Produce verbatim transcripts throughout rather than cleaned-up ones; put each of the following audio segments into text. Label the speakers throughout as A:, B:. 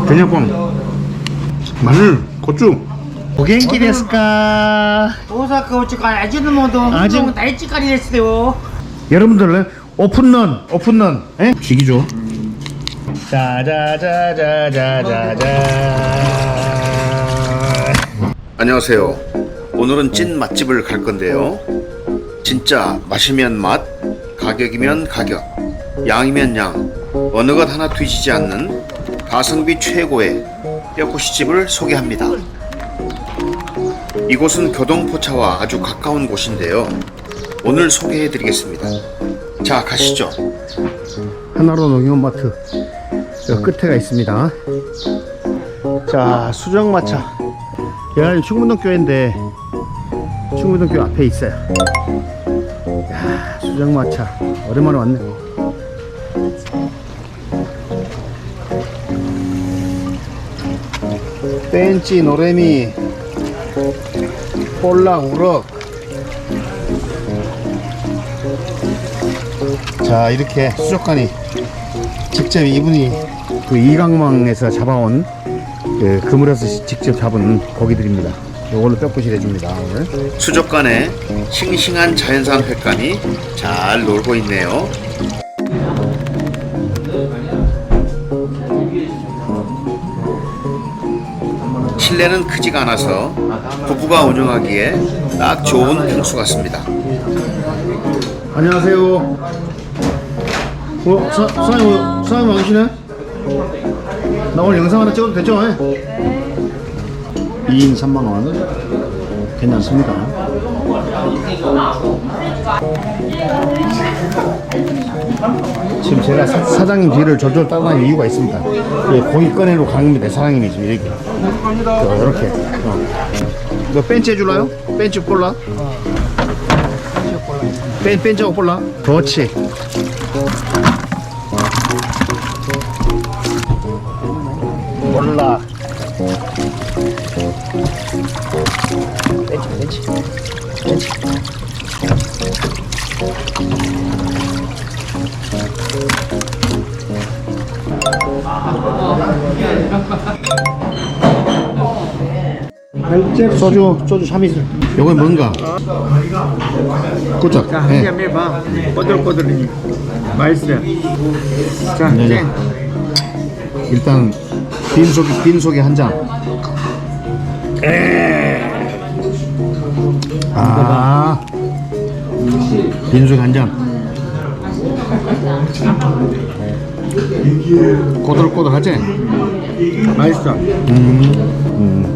A: 된장빵, 마늘, 고추. 오겐키 데스까?
B: 大阪おちか味の素
A: 味
B: も大地狩りですよ
A: 여러분들 오픈런 오픈런 에? 죽이죠. 짜자자자자자자. 안녕하세요. 오늘은 찐 맛집을 갈 건데요. 진짜 맛이면 맛, 가격이면 가격, 양이면 양, 어느 것 하나 뒤지지 않는 가성비 최고의 뼈꼬시집을 소개합니다. 이곳은 교동포차와 아주 가까운 곳인데요. 오늘 소개해 드리겠습니다. 자, 가시죠. 하나로 농협마트 저 끝에가 있습니다. 자, 수정마차. 여기 충문동교회인데 충문동교회 앞에 있어요. 야, 수정마차 오랜만에 왔네. 벤치, 노래미, 꼴락, 우럭. 자, 이렇게 수족관이 직접 이분이 그 이강망에서 잡아온 그 그물에서 직접 잡은 고기들입니다. 이걸로 뼈부실 해줍니다. 오늘 수족관에 싱싱한 자연산 횟감이 잘 놀고 있네요. 실내는 크지가 않아서 부부가 운영하기에 딱 좋은 평수 같습니다. 안녕하세요. 어, 사, 사장님, 사장님 와 계시네? 나 오늘 영상 하나 찍어도 되죠? 이 인 삼만 원. 괜찮습니다. 지금 제가 사, 사장님 뒤를 졸졸 따라다니는 이유가 있습니다. 예, 고기 꺼내러 가는데 사장님이 지금 이렇게. 어, 이렇게. 어. 너 벤치 해줄라요? 벤치 볼라? 벤, 벤치하고 볼라? 그렇지. 몰라. 벤치, 벤치. 벤치. 소주, 소주 참이슬. 요건 뭔가? 꿀짝.
B: 자, 한 잔 해봐. 꼬들꼬들하니 맛있어요. 자,
A: 네, 네.
B: 땡.
A: 일단 빈속에 빈속에 한 잔. 아, 빈속에 한 잔. 꼬들꼬들하지?
B: 맛있어.
A: 음, 음.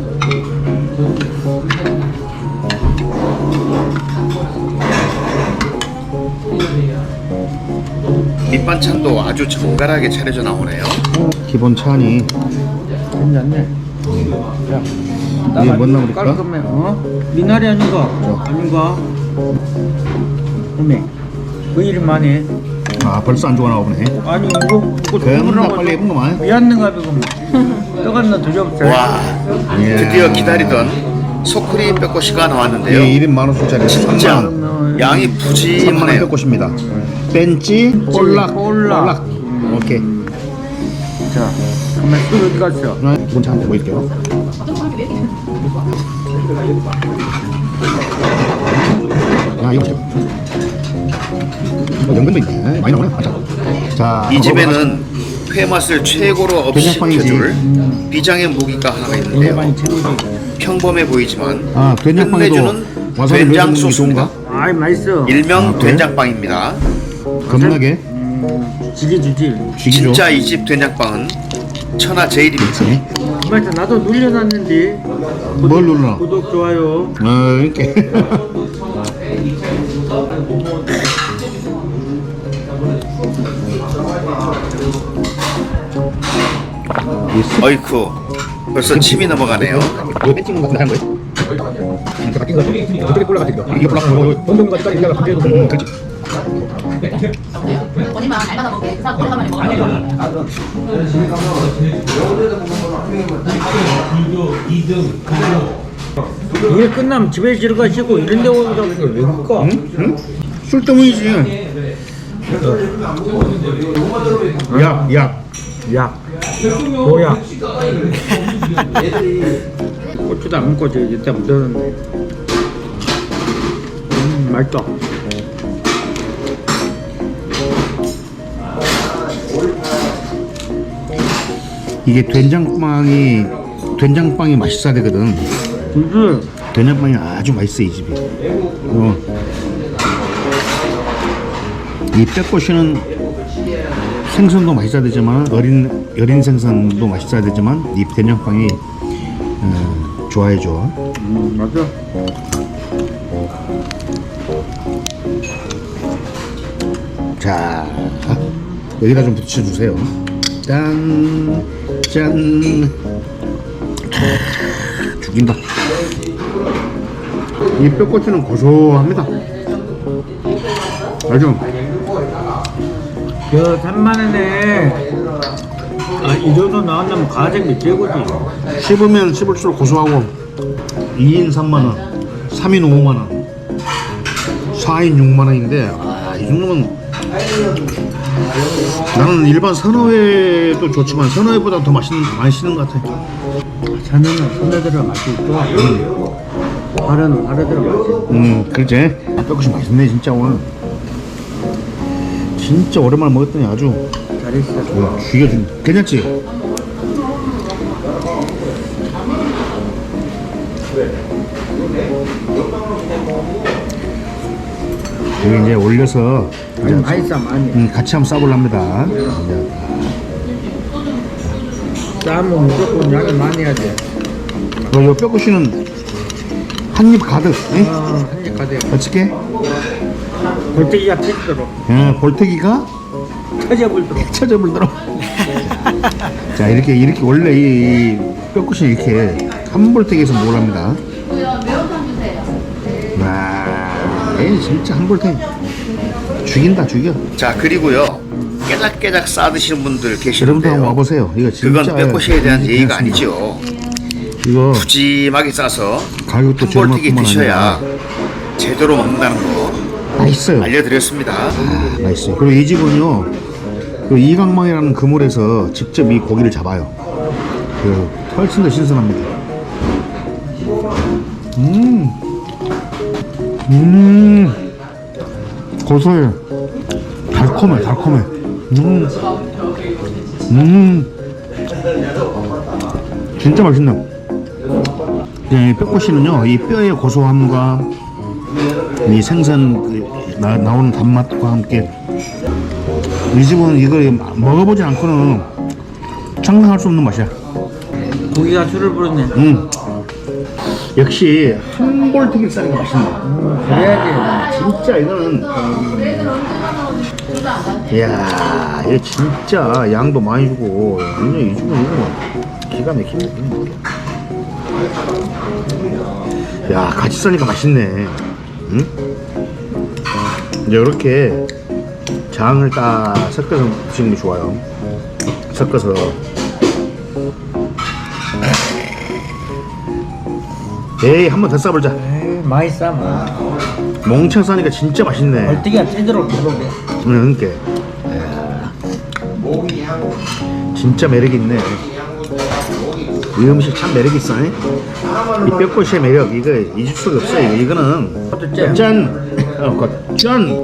A: 밑반찬도 아주 정갈하게 차려져 나오네요. 기본 찬이.
B: 괜찮네. 야,
A: 이게 뭔 나물일까?
B: 깔끔해. 어? 미나리 아닌가? 아닌가? 어메, 그 이름만해.
A: 아, 벌써 안 좋아나 보네.
B: 아니 이거 이거
A: 겁나 빨리 예쁜 거만.
B: 왜 안 는가 이거? 떡하나 드셔보세요.
A: 와, 드디어 기다리던 소크리 뼈꼬시가 나왔는데요.
B: 예,
A: 일 인 만 원 소짜리 진짜 양이 푸짐하네요. 뼈꼬시입니다. 벤치, 볼락, 볼락. 오케이.
B: 자, 그러면 또 어디 갔어?
A: 기본 차 한번 보일게요. 야, 이거 보세요. 어, 연근도 있네. 많이 나오네. 자, 자, 이 집에는 회 맛을 최고로 업시켜줄 비장의 무기가 하나 있는데요. 평범해 보이지만
B: 아,
A: 끝내주는 된장 소스입니다.
B: 아이 맛있어.
A: 일명 아, 된장빵입니다. 겁나게
B: 음, 지게주지.
A: 진짜 이 집 된장빵은 천하제일입니다.
B: 맞아, 나도 눌려놨는데.
A: 뭘 눌러?
B: 구독 좋아요.
A: 어, 이렇게. 어이쿠, 벌써 침이 넘어가네요.
C: 이거 벤치는 같은 거한 거예요? 이렇게 바뀐 거죠? 어떻게 골라가지고 이게 골라가지고 본동까지 이렇게 바뀌어도 음, 그렇지.
D: 본인만 알바다 먹게 그 사람 오래간만에 먹어.
B: 일 끝나면 집에 들어가시고 이런 데 오자고 왜 그럴까?
A: 응? 응? 술 때문이지. 약, 약.
B: 야, 뭐야? 고추도 안 먹고 저 이때 묻었는데. 음, 맛있다.
A: 이게 된장빵이 된장빵이 맛있어야 되거든.
B: 그지?
A: 된장빵이 아주 맛있어 이 집이. 어. 이 빼꼬시는 생선도 맛있어야 되지만 어린 어린 생선도 맛있어야 되지만 이 된장빵이 어, 좋아해줘.
B: 음, 맞아.
A: 자, 여기다 좀 붙여주세요. 짠, 짠. 아, 죽인다. 이 뼈꼬치는 고소합니다. 아주.
B: 그 삼만 원에 아, 이 정도 나온다면 가성비 최고지.
A: 씹으면 씹을수록 고소하고 이 인 삼만 원, 삼 인 오만 원, 사 인 육만 원인데 아, 이 정도면 나는 일반 선어회도 좋지만 선어회보다 더 맛있는, 맛있는 것 같아.
B: 자네는 손에 들어 맛이 있고 발은 발에 들어 맛이 있고.
A: 음, 그렇지. 뼈국이 맛있네 진짜 오늘. 진짜 오랜만에 먹었더니 아주
B: 잘했어.
A: 와, 죽여준. 괜찮지? 여기 이제 올려서
B: 아니, 맛있어 많이.
A: 음, 같이 한번 싸볼랍니다.
B: 싸면 무조건 양이 많이 해야 돼.
A: 어, 요 뼈국이는 한 입 가득. 응?
B: 어, 한입 가득.
A: 어떻게?
B: 골때기가 터지도록.
A: 예, 볼태기가
B: 터져불도록.
A: 찾아불더라. 자, 이렇게 이렇게 원래 이, 이 뼈국이 이렇게 한 볼태기에서 모랍니다.
D: 매운탕 주세요.
A: 와, 얘 진짜 한 볼태기 죽인다 죽여. 자, 그리고요 깨작깨작 싸드시는 분들
B: 네.
A: 여러분도 한번
B: 계시는데요.
A: 와보세요. 이거 진짜
B: 그건 뼈꼬시에 대한
A: 음,
B: 예의가
A: 괜찮습니다.
B: 아니죠.
A: 이거
B: 푸짐하게 싸서
A: 가격도
B: 한 볼튀기
A: 저렴할 뿐만
B: 드셔야
A: 아니라
B: 제대로 먹는다는 거
A: 맛있어요.
B: 알려드렸습니다.
A: 맛있어요. 그리고 이 집은요 그 이강망이라는 그물에서 직접 이 고기를 잡아요. 그 훨씬 더 신선합니다. 음, 음, 고소해, 달콤해, 달콤해. 음, 음, 진짜 맛있네. 네, 뼈꼬시는요 이 뼈의 고소함과 이 생선 그 나, 나오는 단맛과 함께 이 집은 이걸 먹어보지 않고는 상상할 수 없는 맛이야.
B: 고기가 술을 부르네.
A: 음. 역시 한 볼튀기 싸는 게 맛있네.
B: 그래야지.
A: 진짜 이거는 이야 이거 진짜 양도 많이 주고 완전 이 집은 이거 기가 막히네. 야 같이 싸니까 맛있네. 응? 이제 이렇게 장을 딱 섞어서 드시는 게 좋아요. 섞어서 에이 한 번 더 싸보자.
B: 에이, 많이 싸.
A: 몽창 싸니까 진짜 맛있네.
B: 골때기가 찌도록 들어오네.
A: 응, 그러니까 이야, 진짜 매력 있네. 이 음식 참 매력 있어. 이 뼈꼬시의 매력 이거 잊을 수가 없어. 이거 이거는
B: 짠.
A: 짠, 어, 그 짠.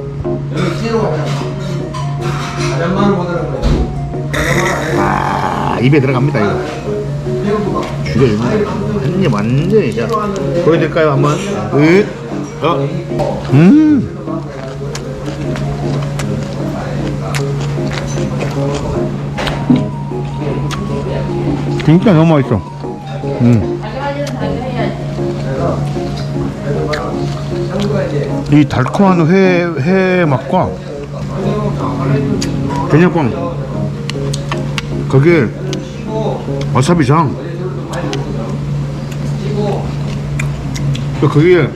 A: 와, 입에 들어갑니다 이거. 죽여줍니다. 한입 완전히 자 보여드릴까요 한번? 으, 어, 음. 진짜 너무 맛있어. 음. 이 달콤한 회, 회 맛과 된장빵 거기에 와사비장 또 거기에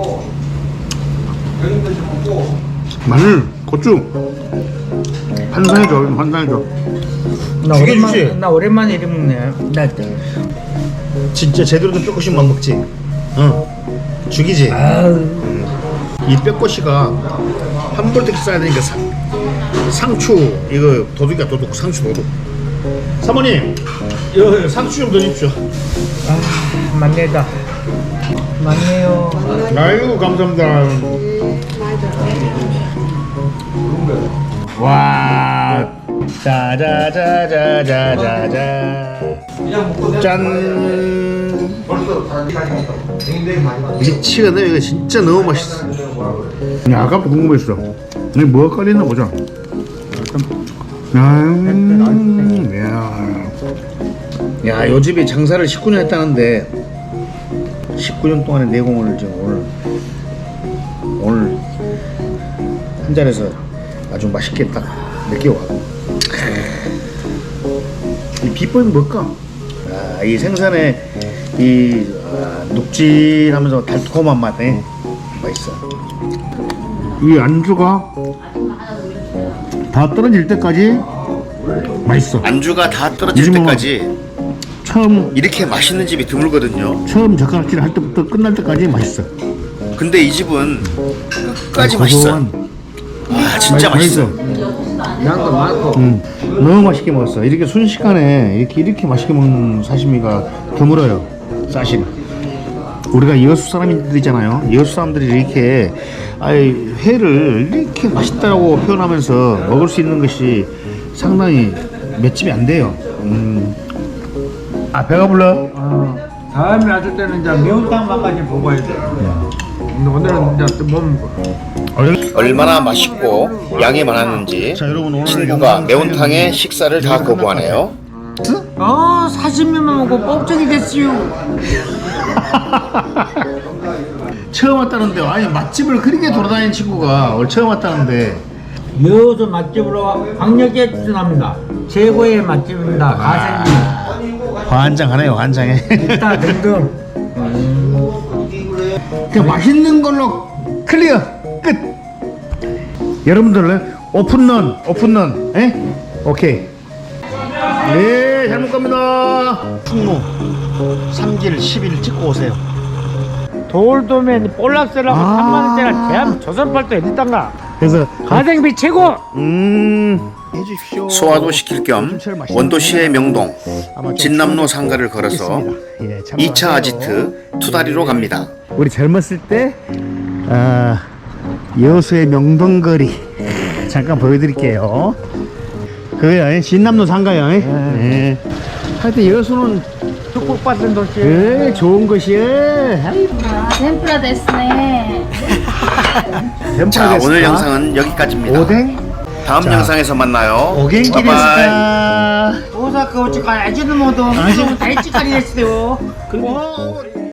A: 마늘, 고추 환상해줘, 환상해줘.
B: 나
A: 죽여주지.
B: 오랜만에, 나 오랜만에 이리 먹네. 나
A: 진짜 제대로 된 뼈꼬시만 먹지. 어, 죽이지.
B: 아우.
A: 이 뼈꼬시가 한 볼때기 싸야 되니까 상, 상추 이거 도둑이야 도둑 상추 도둑 사모님, 여 상추 좀 더 주십시오.
B: 아, 맞네다. 맞네요.
A: 아이고 감사합니다. 와, 자자자자자자자. 짠. 미치겠네. 이거 진짜 너무 맛있어. 야, 아까부터 궁금했어. 이게 뭐가 깔리나 보자. 음, 야, 야, 요 집이 장사를 십구 년 했다는데 십구 년 동안의 내공을 지금 오늘 오늘 한 잔에서 아주 맛있게 딱 느껴가고. 이 비법이 뭘까? 아, 이 생선의 이 아, 눅진하면서 달콤한 맛에 맛있어. 이 안주가 다 떨어질 때까지 맛있어.
E: 안주가 다 떨어질
A: 요즘은
E: 때까지
A: 처음
E: 이렇게 맛있는 집이 드물거든요.
A: 처음 젓가락질 할 때부터 끝날 때까지 맛있어.
E: 근데 이 집은 끝까지 맛있어요.
A: 고소한,
E: 와 진짜
A: 맛있어.
E: 맛있어.
B: 양도 많고.
A: 음, 너무 맛있게 먹었어. 이렇게 순식간에 이렇게 이렇게 맛있게 먹는 사시미가 드물어요. 사실 우리가 여수 사람들이잖아요. 여수 사람들이 이렇게 아이 회를 이렇게 맛있다고 표현하면서 먹을 수 있는 것이 상당히 맷집이 안 돼요. 음. 아, 배가 불러?
B: 어, 다음에 왔을 때는 이제 매운탕 맛까지 먹어야 돼. 근데 오늘은 이제 못 먹어.
E: 얼마나 맛있고 양이 많았는지
A: 자, 여러분, 오늘
E: 친구가
A: 영상
E: 매운탕에
A: 촬영은
E: 식사를 다
A: 여기서
E: 거부하네요.
B: 어, 사십미만 먹고 뻑적이 됐지요.
A: 처음 왔다는데, 아니 맛집을 그렇게 돌아다니는 친구가 오늘 처음 왔다는데.
B: 여수 맛집으로 강력히 추천합니다. 최고의 맛집입니다. 가생비.
A: 환장하네요, 환장해.
B: 기타 등등.
A: 그 맛있는 걸로 클리어 끝. 여러분들 오픈런 오픈런 에? 오케이. 네, 잘 먹갑니다. 충무 삼 길 십 일 찍고 오세요.
B: 돌도면 볼락스라고
A: 아.
B: 삼만 원짜리 대한 조선팔도 어딨단가.
A: 그래서
B: 가생비 최고.
A: 음 해주십시오.
E: 소화도 시킬 겸 원도시의 명동
A: 아마 좀
E: 진남로 상가를 걸어서
A: 있습니다. 예, 참고하세요.
E: 이 차 아지트 투다리로 갑니다.
A: 우리 젊었을 때 아, 여수의 명동거리 잠깐 보여드릴게요. 그거요, 진남로 상가요. 예. 하여튼 여수는
B: 축복받은 도시.
A: 그 좋은 것이에요.
D: 아, 덴프라 데스네.
E: 자 오늘 영상은 여기까지입니다.
A: 오뎅
E: 다음
A: 자,
E: 영상에서 만나요.
A: 오겐키
E: 바이바이.
A: 데스까.
B: 오사카 오치카 아지는 모두 아주 다이치까지 됐어요.
A: 그리고